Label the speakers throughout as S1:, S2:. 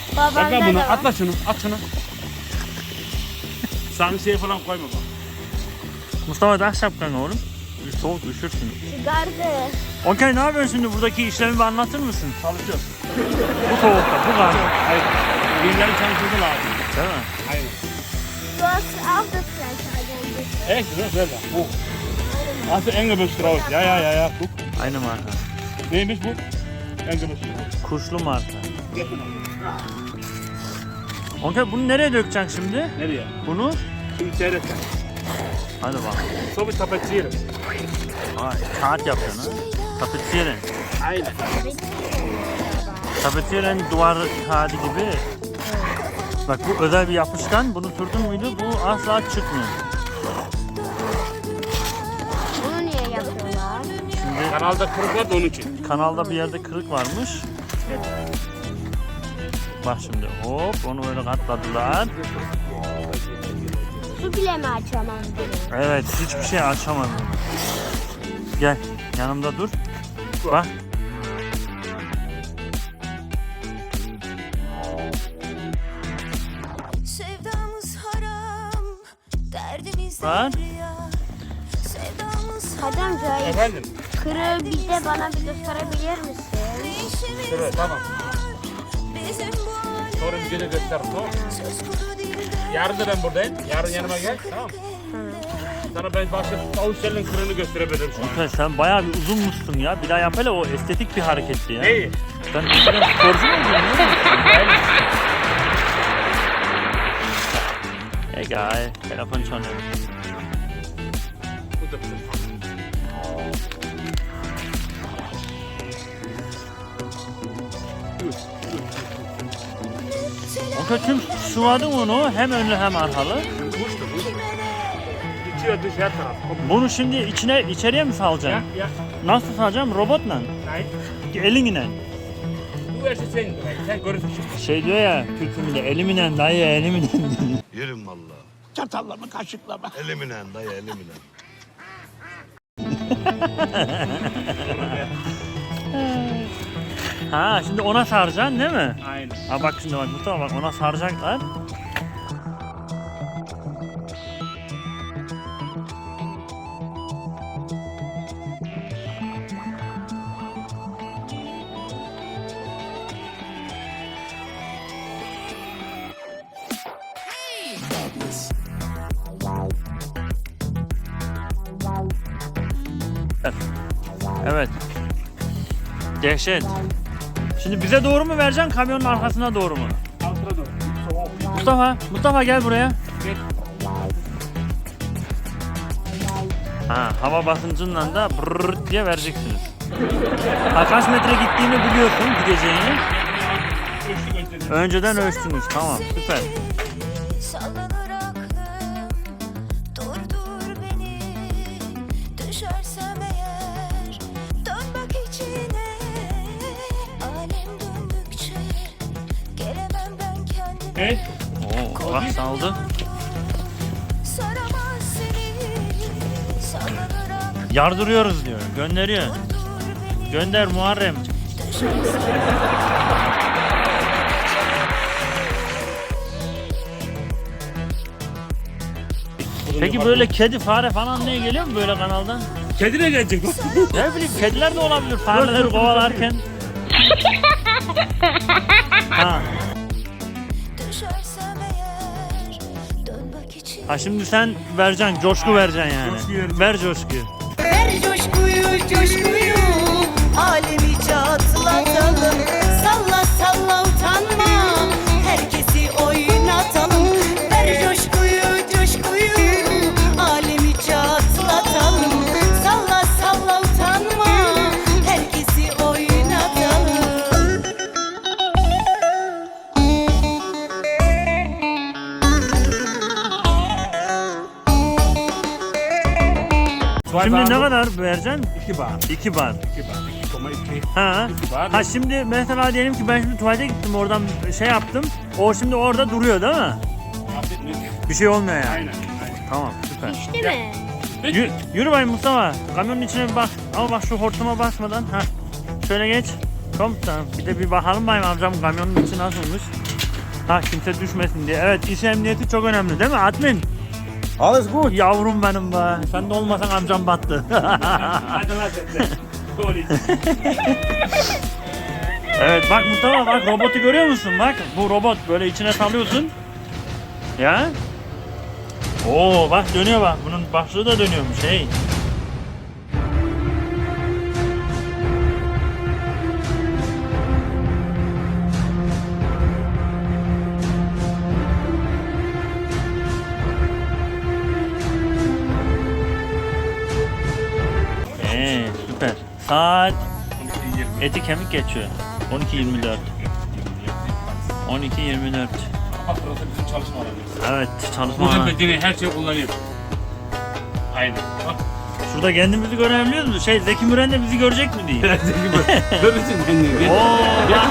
S1: Babanda
S2: bunu
S1: da var.
S2: atla şunu, at şunu. Sanksiye falan koyma bak.
S3: Mustafa tak şapkanı oğlum. Soğuk üşürsün.
S1: Çıkardı.
S3: Okey, ne yapıyorsun şimdi? Buradaki işlemi bir anlatır mısın?
S2: Çalışıyoruz.
S3: Bu soğukta, bu kadar.
S2: Hayır. Birileri çalışması lazım.
S3: Değil mi?
S2: Aynen.
S1: Du hast auch das gleiche eigentlich.
S2: Echt, ne? Böyle. Bu. Hast du Engelbestrauß? Ja. Guck.
S3: Aynı marka.
S2: Neymiş bu? Engelbestrauß.
S3: Kuşlu marka. Okey, bunu nereye dökeceksin şimdi?
S2: Nereye?
S3: Bunu?
S2: Şimdi seyret sen.
S3: Hadi bak.
S2: So bir tapetsiyerim.
S3: Vay, kağıt yapacaksın ha. Tapetiyerin.
S2: Aynen.
S3: Tapetiyerin duvar kağıdı gibi. Bak bu özel bir yapışkan. Bunu sürdün müydü bu asla çıkmıyor.
S1: Bunu niye yapıyorlar?
S3: Şimdi
S2: Kanalda kırık var da onun için.
S3: kanalda bir yerde kırık varmış. Bak şimdi hop onu öyle katladılar.
S1: Su bile mi açamam bunu?
S3: Evet, hiçbir şey açamadım. Gel yanımda dur. Bak.
S4: Sevdamız haram, derdimiz
S3: Var.
S4: derya. Sevdamız
S1: Hadi amca,
S2: Efendim?
S1: kırığı bir de bana bir gösterebilir misin?
S4: işimiz
S2: Evet, tamam.
S4: bizim bu halimiz
S2: Sonra bir gece göster. Tamam.
S4: söz kuru değil de
S2: Yarın da ben buradayım. Yarın yanıma gel. Tamam. Sana ben başka Avustralya'nın kırığını gösterebilirim şu an.
S3: Okey, sen bayağı bir uzunmuşsun ya. Bir daha yap hele, o estetik bir hareketti ya.
S2: Neyi?
S3: Sen eskiden sporcu muydun? Egal, telefon çalıyor.
S2: Bu da bizim.
S3: Okey, tüm sıvadın onu hem önlü hem arkalı.
S2: Kuştu. İçiyor dış her taraf.
S3: Bunu şimdi içeriye mi salacaksın?
S2: Ya.
S3: Nasıl salacağım? Robotla?
S2: Hayır.
S3: Elinle.
S2: Bu versi sen. Sen görürsün şimdi.
S3: Şey diyor ya Türk'ümde, eliminen dayı eliminen diyor.
S5: Yerim valla.
S2: Çatalla mı kaşıkla mı?
S5: Eliminen dayı eliminen.
S3: Ha, şimdi ona saracaksın değil mi?
S2: Aynen.
S3: Ha bak şimdi bak Mustafa, bak ona saracaklar. Evet. Dehşet. Şimdi bize doğru mu vereceksin, kamyonun arkasına doğru mu?
S2: Altına doğru. Soğuk.
S3: Mustafa gel buraya.
S2: Gel.
S3: Ha, hava basıncından da brrrt diye vereceksiniz. Ha, kaç metre gittiğini biliyorsun, gideceğini.
S2: Ölçtük önceden.
S3: Önceden ölçtünüz, tamam, süper.
S4: sallanır aklım. Durdur beni, düşersem eğer dön bak içine. Alem döndükçe gelemem ben kendime.
S2: Evet.
S3: Oo, bak saldı.
S4: Saramaz seni, sallanır aklım.
S3: Yardırıyoruz diyor, gönderiyor.
S4: Durdur beni,
S3: Gönder Muharrem.
S4: düşersem
S3: Peki böyle kedi, fare falan neye geliyor mu böyle kanaldan?
S2: Kedi ne gelecek?
S3: Ne bileyim, kediler de olabilir fareleri kovalarken. Ha.
S4: düşersem eğer dön bak içine.
S3: Ha, şimdi sen vereceksin, coşku vereceksin yani.
S2: Coşkuyu vereceğim.
S3: Ver coşkuyu.
S6: Ver coşkuyu coşkuyu alemi çatlatalım. Salla salla utanma herkesi oynatalım. Ver coşkuyu coşkuyu alemi çatlatalım. Salla salla utanma herkesi oynatalım.
S3: Şimdi ne kadar vereceksin?
S2: 2 bar.
S3: 2 bar.
S2: 2 bar. 2,2.
S3: Ha.
S2: Var.
S3: Ha, şimdi mesela diyelim ki ben şimdi tuvalete gittim, oradan şey yaptım. O şimdi orada duruyor değil mi? Bir şey olmuyor yani.
S2: Aynen.
S3: Tamam, süper.
S1: Değil mi?
S3: Yürü bayım Mustafa. Kamyonun içine bir bak. Ama bak şu hortuma basmadan. Ha. Şöyle geç. Tamam. Bir de bir bakalım bayım amcam kamyonun içi nasılmış. Ha kimse düşmesin diye. Evet iş emniyeti çok önemli değil mi admin?
S2: Alles gut.
S3: Yavrum benim be. Sen de olmasan amcam battı.
S2: Hadi hadi.
S3: Evet bak Mustafa bak robotu görüyor musun? Bak bu robot böyle içine salıyorsun. Ya. Oo bak dönüyor bak. Bunun başlığı da dönüyormuş hey. Süper. Saat eti kemik geçiyor. 12.24. 12.24.
S2: Burası bizim çalışma alanımız.
S3: Evet çalışma
S2: Burada
S3: alanı.
S2: bedeni her şeyi kullanıyor. Aynen. Bak.
S3: Şurada kendimizi görebiliyor musun? Zeki Müren de bizi görecek mi diye.
S2: Görürsün kendini.
S3: Oo,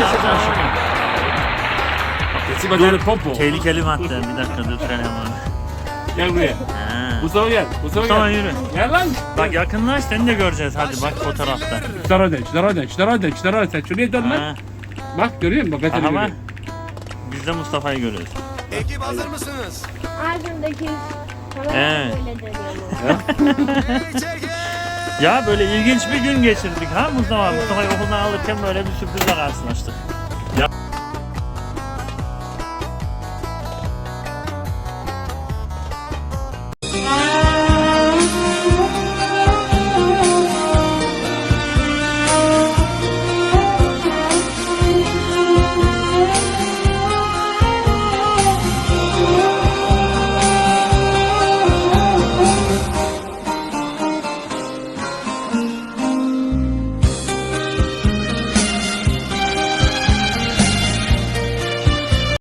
S2: Sesi bacanı popo.
S3: tehlikeli madde. Bir dakika dur sen hemen.
S2: Gel buraya.
S3: Ha.
S2: Mustafa gel.
S3: Mustafa yürü.
S2: Gel lan.
S3: Bak yakınlaş seni de göreceğiz. Hadi bak fotoğrafta.
S2: Şunlara dön, şunlara dön, şunlara dön, şunlara dön. Sen şuraya dön lan.
S3: Ha.
S2: Bak görüyor musun? Bak bedeni
S3: Aha bak.
S2: görüyor.
S3: Biz de Mustafa'yı görüyoruz.
S5: Ekip hazır mısınız?
S1: Ağzımdaki
S3: Evet.
S1: böyle dönüyor.
S3: Ya böyle ilginç bir gün geçirdik ha Mustafa. Mustafa'yı okuldan alırken böyle bir sürprizle karşılaştık.